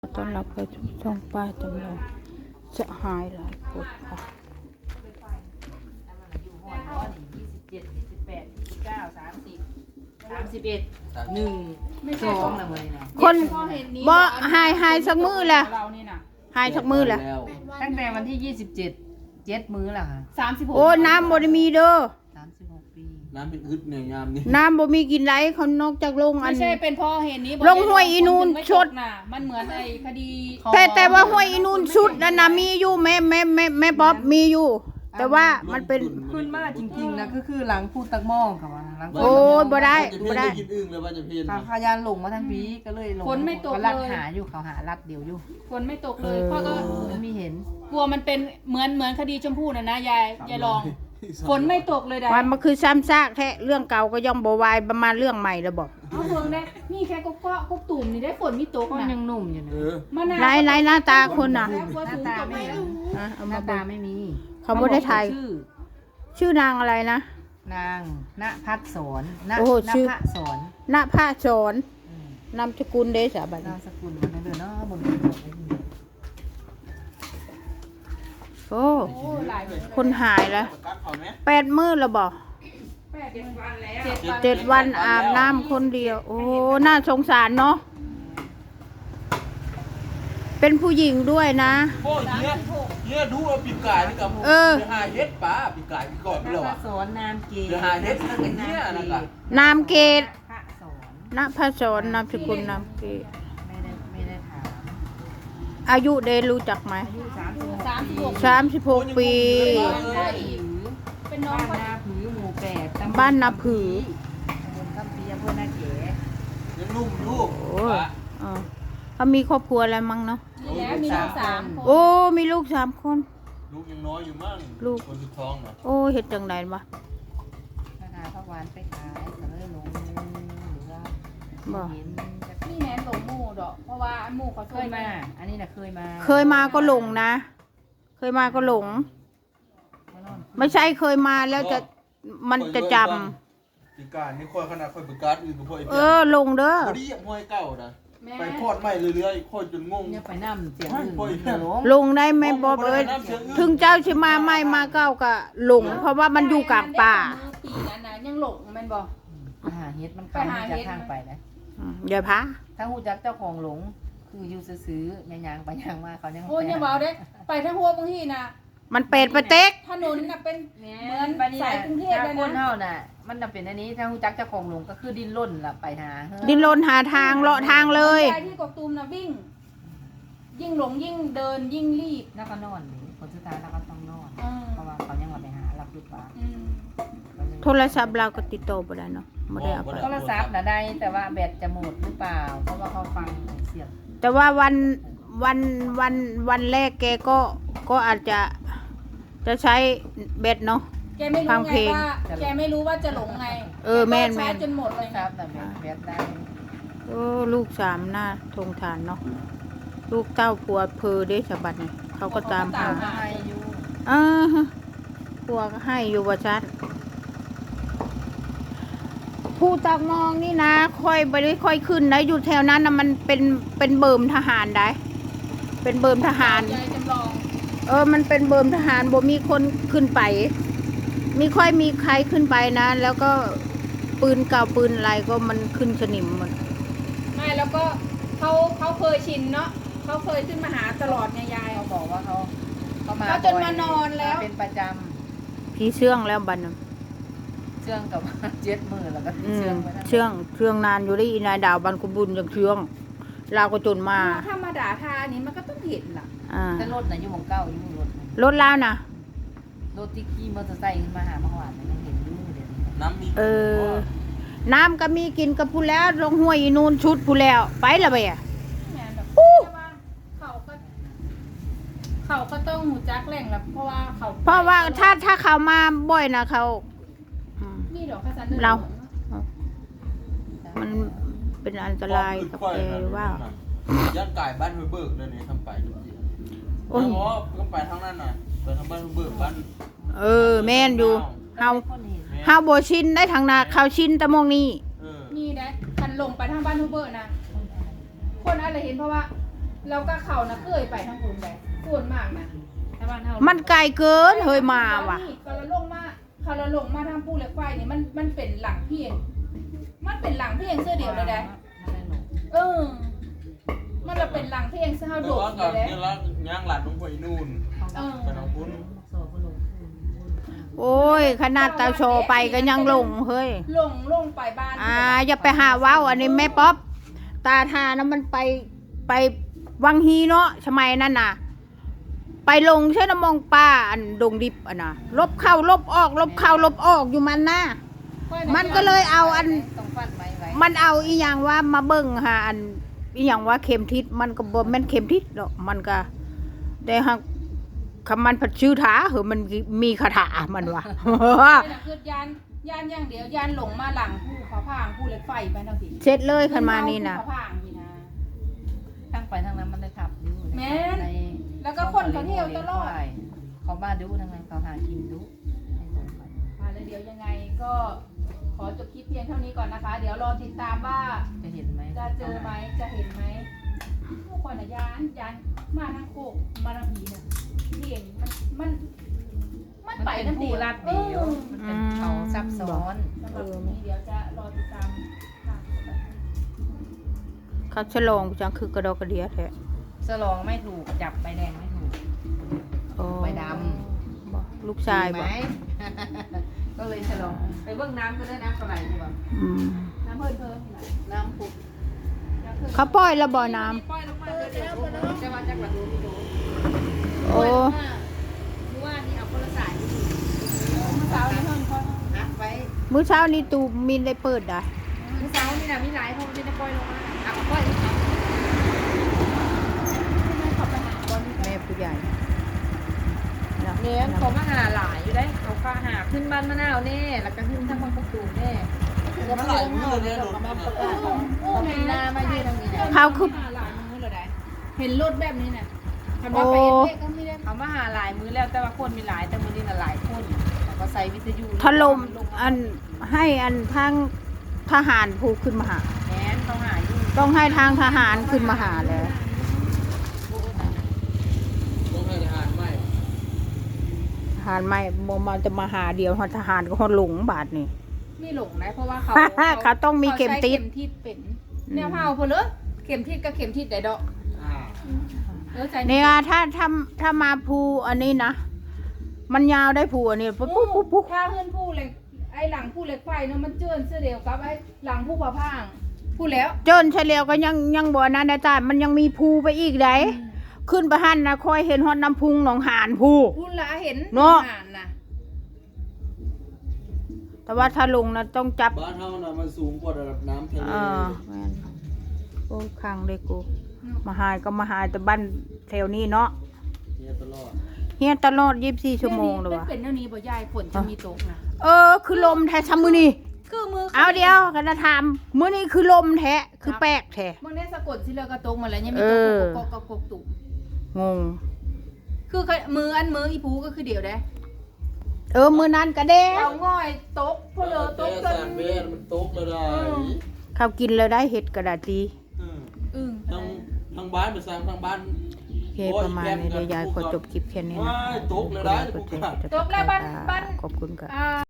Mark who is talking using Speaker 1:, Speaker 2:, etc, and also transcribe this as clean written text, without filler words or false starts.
Speaker 1: ต้อนรับไปทุกช่องป้าจำลองจะหายหลายคนค่ะ
Speaker 2: อยู่หอยว่านี่27 28 29 30 31 1 2ละมื้อนี่นะ
Speaker 1: คนบ่หายสักมือแหละ
Speaker 3: เรานี่นะ
Speaker 1: หายสักมือแหละ
Speaker 2: ตั้งแต่วันที่27 7มื้อละค่ะ
Speaker 3: 36
Speaker 1: โอ้น้ำบ่ได้มีเด้อ
Speaker 2: 36 ปี
Speaker 4: น้ำเป็นอึดเนี่ยยามนี้
Speaker 1: น้ำบ่มีกินไรเขานอกจากลงอั
Speaker 3: ไม่
Speaker 1: น
Speaker 3: ใช่เป็นเพราะเหตุนี้
Speaker 1: ลงห้วยอีนูนชด
Speaker 3: น่ะมันเหมือนไอ้คดี
Speaker 1: แต่ว่าห้วยอีนูนสุดนั่นน่ะมีอยู่แม่ป๊อบมีอยู่ แต่ว่ามันเป็น
Speaker 2: ขึ้นมาจริงๆนะก็คือหลังพูดตักหม้อค่ะว่าหลัง
Speaker 1: โอ้ยบ่ได้
Speaker 4: จะเพี้ยนได้กินอึ่งเลยว่าจะเพี้ยน
Speaker 2: ทางพยานลงมาทางพีก็เลยลง
Speaker 3: ฝนไม่ตก
Speaker 2: เขา
Speaker 3: เล
Speaker 2: ลัด
Speaker 3: ย
Speaker 2: หาอยู่เขาหาลัดเดียวอยู่
Speaker 3: ฝนไม่ตกเลยเพราะก็
Speaker 2: ไม่มีเห็น
Speaker 3: กลัวมันเป็นเหมือนคดีชมพู่น่ะนะยายลองฝนไม่ตกเลยได้
Speaker 1: วันมันคือซ้ำซากแท้เรื่องเก่าก็ย่อมบ่วายประมาณเรื่องใหม่แล้วบอก
Speaker 3: เอาเมืองได้นี่แค่ก็ก็ตุ่มนี่ได้ฝนไม่ตก
Speaker 2: ก็
Speaker 3: นะ
Speaker 2: ยังหนุ่มอยู่นะ
Speaker 4: เออ
Speaker 3: มะนาว
Speaker 1: ไหนหน้าตาคนน่ะ
Speaker 3: แล้วกลัว
Speaker 2: หน้า
Speaker 3: สูง
Speaker 2: ตา
Speaker 3: ตก
Speaker 2: ไม่
Speaker 3: แล้ว
Speaker 2: เห็น
Speaker 1: เอา
Speaker 2: ห
Speaker 1: มา
Speaker 2: น้า
Speaker 1: เบิ่
Speaker 2: ตาง ไม่มี
Speaker 1: เขาบ่ได้ถ่าย
Speaker 2: ชื่อ
Speaker 1: ชื่อนางอะไรนะ
Speaker 2: นางณพัฒสอนณ
Speaker 1: โอ้โห
Speaker 2: ณ
Speaker 1: ชื่อ
Speaker 2: พระสอน
Speaker 1: ณภาสอน
Speaker 2: อืม
Speaker 1: นามสกุลเดชะบัด
Speaker 2: นา
Speaker 1: นี้
Speaker 2: มสกุลมันนั่นเด้อเนาะบนกระจกไว้นี่
Speaker 1: โอ้
Speaker 3: โอ้หลาย
Speaker 1: คนหายแล้ว
Speaker 4: ประกัดเขาไหม
Speaker 1: 8 มื้อแล้วบ่
Speaker 3: 7 วันแล้ว
Speaker 1: 7 วันอาบน้ำคนเดียว โอ้น่าสงสารเนาะเป็นผู้หญิงด้วยนะ
Speaker 4: โอ้ยเนี่ยดูเอาปีกไก่นี่กับ
Speaker 1: เออ
Speaker 4: เดี๋ยวหาเฮ็ดป้าปีกไก่ปีก่อนไป
Speaker 2: ณ
Speaker 4: แล้ว
Speaker 2: พระ
Speaker 4: อ่ะ
Speaker 2: สอนนามเกศ
Speaker 4: เดี๋ยวหาเฮ็ดนั่นกันเนี่ยนะครับ
Speaker 1: นามเกต
Speaker 2: พระสอน
Speaker 1: ณภาสอนนามสกุลนามเกต
Speaker 2: ไม่ได้ถาม
Speaker 1: อายุเดรู้จักไหม
Speaker 2: อายุ36
Speaker 1: 36 ปี
Speaker 3: ก็อีกเป็นน้อง
Speaker 2: บ้าน
Speaker 3: ก็
Speaker 2: นาผือหมู่8ตำบล
Speaker 1: บ้านนาผือ
Speaker 2: ตำบลคำปีอำเภอนาเก๋
Speaker 4: ยังนุ่มอยู่
Speaker 1: โอ้ยเออเขามีครอบครัวแล้วมั้งเนาะ
Speaker 3: มีแล้วมีลูก3 คน
Speaker 1: โอ้มีลูก3 คน
Speaker 4: ลูกยังน้อยอยู่มั่ง
Speaker 1: ลูก
Speaker 4: คนสุดท้องเนาะ
Speaker 1: โอ้เฮ็ดจังไดวะ
Speaker 2: พนาพระวานไปขายก็เลยลงหรือว่า
Speaker 1: บ่
Speaker 2: เห็นจะ
Speaker 3: นี่แนนหลงหมู่ดอกเพราะว่าหมู่เขา
Speaker 2: เคยมา อันนี้น่ะเคยมา
Speaker 1: เคยมาก็หลงนะ เคยมาก็หลง ไม่ใช่เคยมาแล้วจะมันจะจำ
Speaker 4: ปีกไก่นี่ค่อยขนาดค่อยประกัดอื่นกับพ่อไอ้
Speaker 1: เอ
Speaker 4: เพี้ย
Speaker 1: อลงเด้อ
Speaker 4: พอดีอย่างห้อยเก่านะ
Speaker 3: แม่
Speaker 4: ไปทอดใหม่เรื่อยๆค่อยจนงง
Speaker 2: เนี่ยไปนั่เสียงอื่น
Speaker 4: โอ้ย
Speaker 2: เดี๋ยวหลง
Speaker 1: ลงได้ไหมบอบเอ้ยถึงเจ้าสิมาไม่มาเก้าก็หลง เพราะว่ามันอยู่กลางป่า
Speaker 3: ปีนั้นนะยังหลงแม่นบ่
Speaker 2: ไปหาเฮ็ดมันเข้าหูจักทางไปนะ
Speaker 1: เดี๋ยวพะ
Speaker 2: ถ้าหูจักเจ้าของหลง คืออยู่ซื้อๆแม่ยางไปยางมาเขายัง
Speaker 3: โอ้ยอย่าเว้าเด้ไปทั้งหัวบางทีน่ะ
Speaker 1: มันเป็ดปะเต็ก
Speaker 3: ถนนน่ะเป็น
Speaker 2: เห
Speaker 3: เหมือน
Speaker 2: บัดนี้
Speaker 3: สายกรุงเทพ
Speaker 2: ถ้า
Speaker 3: เลย
Speaker 2: คน
Speaker 3: นะ
Speaker 2: เฮาน่ะ มันจะเป็นอันนี้ถ้าหูจักเจ้าของหลงก็คือดิ้นร่นล่ะไปหาเฮ้อ
Speaker 1: ดินรนหาทางเลาะทางเลย
Speaker 3: ยายที่กกตูมน่ะวิ่ง ยิ่งหลงยิ่งเดินยิ่งรีบ
Speaker 2: แล้วก็นอนผลสุดท้ายแล้วก็ต้องนอน
Speaker 3: อืม
Speaker 2: เพราะว่าเขายังมาไปหารับลูกปลา
Speaker 3: อืม
Speaker 1: โทรศัพท์เราก็ติดต่อบ่ได้เนาะบ่ได้เอาไป
Speaker 2: โทรศัพท์น่ะได้แต่ว่าแบตจะหมดหรือเปล่า เพราะว่าเขาฟังเสียง
Speaker 1: แต่ว่าวันแรกแกก็อาจจะใช้เบ็ดเนาะ
Speaker 3: แกไม่
Speaker 1: ฟั
Speaker 3: รู้
Speaker 1: ง
Speaker 3: ไง
Speaker 1: เพลง
Speaker 3: ว่าแกไม่รู้ว่าจะหลงไง
Speaker 1: เออแม่น
Speaker 3: ก็ชาร์จจนหมด
Speaker 2: โท
Speaker 3: เล
Speaker 2: ร
Speaker 3: ย
Speaker 2: ศัพท์น่ะแบตได้
Speaker 1: โอ้ลูก3หน้าทงฐานเนาะลูกเต้าผัวเพอเด้ฉบัดนี่เขาก็ตามหา
Speaker 2: เขาให้อยู่
Speaker 1: เออผัวก็ให้อยู่ว่าชัดผู้ตักมองนี่นะค่อยไปได้ค่อยขึ้นนะอยู่แถวนั้นนะมันเป็นเบิ่มทหารได้ เป็นเบิ่มทหาร
Speaker 3: ยายจำลอง
Speaker 1: มันเป็นเบิ่มทหารบ่มีคนขึ้นไป มีค่อยมีใครขึ้นไปนะ แล้วก็ปืนเก่าปืนอะไรก็มันขึ้นสนิมหมด
Speaker 3: ไม่แล้วก็เขาเคยชินเนาะเขาเคยขึ้นมาหาตลอดไงยาย
Speaker 2: เขาบอกว่าเขามา
Speaker 3: เขาจนมานอนแล้ว
Speaker 2: มาเป็นประจ
Speaker 1: พี่เชื่องแล้วบัดนั้น
Speaker 2: ำเชื่องกับ 7 มือแล้วก็
Speaker 1: อื
Speaker 2: เชื่
Speaker 1: ม
Speaker 2: องไว้นั่น
Speaker 1: เชื่องนานอยู่ได้อีนายดาวบันคุบุญยังเชื่องเราก็จนมา
Speaker 3: ถ้ามาด่าทาอันนี้มันก็ต้องเห็นล่ะ
Speaker 1: อ่า
Speaker 2: แต่รถน่ะอยู่ของเก่าอยู่รถน่ะ
Speaker 1: รถแล้วนะ
Speaker 2: รถที่ขี่มอเตอร์ไซค์ขึ้นมาหาเมื่อวานน่ะยังเห็นอยู่เดี๋ยวนี้
Speaker 4: น้ำมี
Speaker 1: น้ำก็มีกินกับผู้แล้วลงห้วยอีนูนชุดผู้แล้วไปละไปอ่ะ
Speaker 3: แม่นแบบแต่ว่าเขาก็ต้องหูจักแหล่งละเพราะว่าเขา
Speaker 1: เพราะว่าถ้าเขามาบ่อยนะเขาอืม
Speaker 3: นี่ดอกข้าวสาร
Speaker 1: เรา มันเป็นอันตรายกับแกหรือว่า
Speaker 4: ย่านไก่บ้านห้วยเบิกเลยนี่ทำไปจริงๆ
Speaker 1: โอ้ย
Speaker 4: เพราะก็ไปทางนั้นน่ะไปทางบ้านห้วยเบิกบ้าน
Speaker 1: แม่นอยู่เฮา
Speaker 2: คนเห็น
Speaker 4: แม่
Speaker 1: เฮาบ่ชินได้ทางนาเขาชินแต่มองนี้
Speaker 4: เออ
Speaker 3: นี่นะคันลงไปทางบ้านฮูเบอร์นะคนอะไรเห็นเพราะว่าแล้วก็เขานะเคยไปทั้งคุณเลยส่วนมากนะ
Speaker 2: ถ้าบ้านเฮา
Speaker 1: มันไกลเกินเฮ้ยมาว่ะ
Speaker 3: เขาละลงมาเขาละลงมาทางภูเหล็กไฟนี่มันเป็นหลังเพียงมันเป็นหลังเพียงเสื้อเดียวเลยได้
Speaker 2: มันได้หลง
Speaker 3: เออ มันละเป็นหลังเพียงเสื้อ
Speaker 4: แต่
Speaker 3: โดด
Speaker 4: ว่า
Speaker 3: เล
Speaker 4: กับ
Speaker 3: ยได้
Speaker 4: นี่ละย่างหลานลงไปนู่น
Speaker 3: เออ
Speaker 4: ไปน้องพุ้น
Speaker 2: โซ่ก็ลง
Speaker 1: โอ้ยขนาดตาโชว์ไปก็ยังลงเฮ้ย
Speaker 3: ลงไปบ้าน
Speaker 1: อย่าไปหาว้าวอันนี้แม่ป๊อปตาทานะมันไปวังฮีเนาะสมัยนั้นน่ะ ไปลงใช่น้ำมองป้าอันดงดิบอ่ะนะลบเข้าลบออกลบเข้าลบออกอยู่มันนะมันก็เลยเอาอัน
Speaker 2: ต้องฟันไว้ไว้
Speaker 1: มันเอาอีหยังว่ามาเบิ่งหาอันอีหยังว่าเข็มทิศมันก็บ่แม่นเข็มทิศหรอกมันก็ได้ฮักคำมันผัดชื่อถาเหอะมันมีคาถามันว่ะ
Speaker 3: คือยานอย่างเดียวยานหลงมาหลังภูเขาพางภูเหล็กไฟไปทั้งที
Speaker 1: เสร็จเลยคันมานี่นะ
Speaker 3: ภูเขาพางนี่นะ
Speaker 2: ทั้งไปทางนั้นมันได้ขับอยู่
Speaker 3: แม่นแล้วก็คนเขาเที่ยวตลอด
Speaker 2: เขามาดูทางนั้นเขาหากินดูให้ตรงไป
Speaker 3: มาเลยเดี๋ยวยังไงก็ขอจบคลิปเพียงเท่านี้ก่อนนะคะ เดี๋ยวรอติดตามว่า
Speaker 2: จะเห็นไหม
Speaker 3: จะเจอไหมจะเห็นไหมผู้คนอะยานมาทางโคกมาทางผีเนี่ยที่เห็นมัน
Speaker 2: มัน
Speaker 3: ไป
Speaker 2: เป็น
Speaker 3: ทั้ง
Speaker 2: ผู้ลาดเดียวมันเป็นเขาซับซ้อน
Speaker 3: สำหรับวันนี้เดี๋ยวจะรอติดตามค่ะ
Speaker 1: เขาฉลองจังคือกระดอกกระเดียแท้
Speaker 2: สลองไม่ถูกจับใบแดงไม่ถูก
Speaker 1: โอ้
Speaker 2: ใบด
Speaker 1: บ่ลูกชาย
Speaker 2: ไหม
Speaker 1: บ่
Speaker 2: ก็เลยฉลองไปเบื้องน้ำก็ได้น้ำเท่าไหร่ดีกว่า
Speaker 1: อืม
Speaker 3: น้ำเพิ่มนี่แหละ
Speaker 2: น้ำผุด
Speaker 1: เขาปล่อยแล้วบ่น้ำ
Speaker 2: ปล่อยลงมาเลยเดี๋ยวจะมาจากหลังดูไม่ดู
Speaker 1: โอ้
Speaker 2: รู้ว่านี่เอาคนละสาย
Speaker 3: เมื่อเช้านี้เพิ่มเขา
Speaker 2: อัดไว้
Speaker 1: มื้อเช้านี้ตูมินได้เปิดอ่ะ
Speaker 2: เมื่อเช้านี่นะมีหลายคนที่ได้ปล่อยลงมาอัดปล่อยครับ
Speaker 3: ขับไปหาบอล
Speaker 1: แม่ผู้ใหญ่นะ
Speaker 2: เนี่ยเขามาหาหลายอยู่ได้เขาก็หาขึ้นบ้านมะนาวแน่แล้วก็ขึ้นทางบางประตูแน่
Speaker 4: มันหลายมือเลยรถมัน
Speaker 2: เขาปีหน้ามายืนตรงนี้นะ
Speaker 1: เขาคือ
Speaker 3: หาหลายมือเลยได้เห็นรถแบบนี้เนี่ยคันว่าไปเอ็นเล็กก็ไม่ได้
Speaker 2: เขามาหาหลายมือแล้วแต่ว่าคนมีหลายแต่มือนี้น่ะหลายคนแต่ก็ใส่วิทยุ
Speaker 1: ถล่มอันให้อันทางทหารผู้ขึ้นมาหา
Speaker 2: แมนเขาหาอยู่
Speaker 1: ต้องให้ทางทหารขึ้นมาหาแล้ว
Speaker 4: ต้องให้ทหารไหม
Speaker 1: ทหารไม่บ่มาจะมาหาเดียวทหารก็ฮอดหลงบาทนี่
Speaker 3: ไม่หลงนะเพราะว่าเขา
Speaker 1: เขาต้องมีเข็มทิศ
Speaker 3: ขาใช้เข็มทิศเป็นแนวเผาเพนเลยเข็มทิศกับเข็มทิศได้ดอกใจ
Speaker 1: เนี่ยถ้ามาภูอันนี้นะมันยาวได้ภูอันนี้ปุ๊บปุ๊บปุ๊บปุ๊บ
Speaker 3: ถ้าขึ้นผู้เหล็กไอ้หลังผู้เหล็กไฟเนาะมันเจิ้นเสื้อเดียวกับไอ้หลังผู้ผาพางพูดแล้ว
Speaker 1: เจินเฉลียวก็ยังบ่นั้นนะจ้ามันยังมีภูไปอีกไดขึ้นไปหันนะคอยเห็นฮอดน้ำพุงหนองหานภู
Speaker 3: พูดละเห็น
Speaker 1: เนาะ
Speaker 3: อ่านนะ
Speaker 1: แต่ว่าถ้าลงนะต้องจับ
Speaker 4: บ้านเฮาน่ะมันสูงกว่าระดับน้ำทะเล
Speaker 1: แม่นโอ้คังเลยกูมาหายก็มาหายแต่บ้านแถวนี้เนาะ
Speaker 4: เนี่ยตลอด
Speaker 1: เฮียตลอด24ชั่วโมงเลยว่ะ
Speaker 3: เป็นเท่านี้บ่ยายฝนจะมีตกนะ
Speaker 1: คือลมแท้ซะมื้อนี้
Speaker 3: คือมือ
Speaker 1: เอาเดียวกันจะถามมื้อนี้คือลมแท้คือแปลกแท้
Speaker 3: บางได้สะกดสิเลือกระตกมาแล้วยังมีตกกกตุ่ม
Speaker 1: งง
Speaker 3: คือมืออีผูก็คือเดียวได้
Speaker 1: มื้อนั้นก็เด้
Speaker 3: เอาง่อยตกพอเลอตก
Speaker 4: แต่
Speaker 3: กัน
Speaker 4: สารเวทมันตกแล้วได้
Speaker 1: เขากินแล้วได้เห็ดกระดาษดี
Speaker 3: อึ้ง
Speaker 4: ทั้งบ้านไปสร้างทั้งบ้าน
Speaker 1: โอเคประมาณนี้เดี๋ยวยายขอจบคลิปแค่นี้นะ
Speaker 4: ว้ายตกแล้วได้
Speaker 1: ขอบคุณ
Speaker 4: กูกะ
Speaker 1: ที่ติดตาม
Speaker 3: ตกแล้วบ้าน
Speaker 1: ขอบคุณค่ะ
Speaker 3: อ่า